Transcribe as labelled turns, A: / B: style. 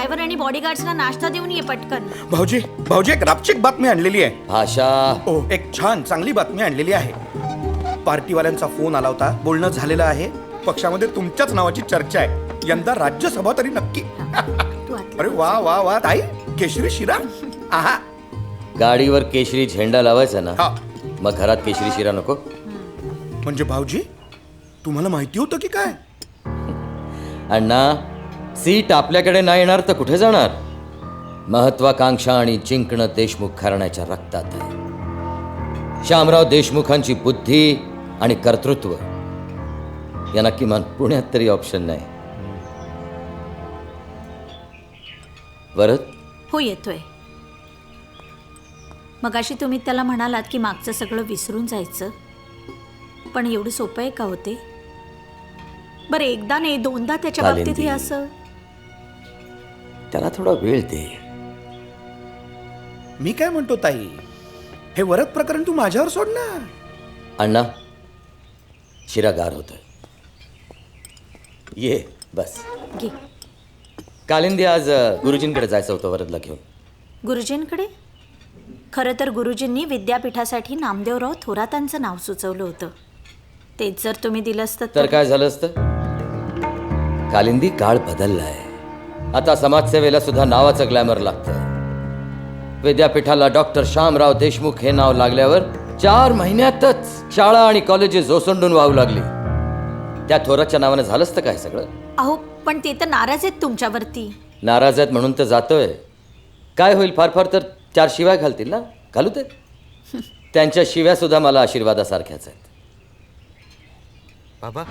A: Driver आणि बॉडीगार्ड्सना नाश्ता देऊन ये पटकन.
B: भाऊजी भाऊजी एक रापचिक बातमी आणलेली आहे.
C: भाषा.
B: ओ एक छान चांगली बातमी आणलेली आहे. पार्टीवाल्यांचा फोन आला होता, बोलणं झालेलं आहे. पक्षामध्ये तुमच्याच नावाची चर्चा आहे. यंदा राज्यसभा तरी नक्की.
A: तू आतलं.
B: अरे वा वा वा ताई, केशरी शिरा. आहा.
C: गाडीवर केशरी झेंडा लावायचा ना,
B: हा.
C: मग घरात केशरी शिरा नको.
B: म्हणजे भाऊजी तुम्हाला माहिती होतं की काय?
C: अण्णा, सीट आपल्याकडे नाही येणार तर कुठे जाणार? महत्वाकांक्षा आणि जिंकणं देशमुख घराण्याच्या रक्तात आहे. श्यामराव देशमुखांची बुद्धी आणि कर्तृत्व यांना किमान पुण्यात तरी ऑप्शन नाही. वरद,
A: हो येतोय. मगाशी तुम्ही त्याला म्हणालात की मागचं सगळं विसरून जायचं, पण एवढं सोपं आहे का होते? बरं एकदा नाही दोनदा त्याच्या बाबतीत हे
C: कालिंदी.
A: असं.
C: त्याला थोडा वेळ दे.
B: मी काय म्हणतो ताई, हे वरद प्रकरण तू माझ्यावर सोड ना.
C: अण्णा, शिरा गार होतोय. ये बस.
A: घे.
C: कालिंदी, आज गुरुजींकडे जायचं होतं वरदला घेऊन.
A: गुरुजींकडे? खरं तर गुरुजींनी विद्यापीठासाठी नामदेवराव थोरातांचं नाव सुचवलं होतं. तेच जर तुम्ही दिलं असतं
C: तर काय झालं असतं? कालिंदी, काळ बदललाय. आता समाजसेवेला सुद्धा नावाचं ग्लॅमर लागतं. विद्यापीठाला डॉक्टर श्यामराव देशमुख हे नाव लागल्यावर 4 महिन्यातच शाळा आणि कॉलेजेस ओसंडून वाहू लागली. त्या थोरातच्या नावानं झालं असतं काय सगळं?
A: अहो पण ते तर नाराज आहेत तुमच्यावरती.
C: नाराज आहेत म्हणून तर जातोय. काय होईल, फार फार तर 4 शिव्या घालतील ना, घालू ते. त्यांच्या शिव्या सुद्धा मला आशीर्वादासारख्याच आहेत.
D: बाबा,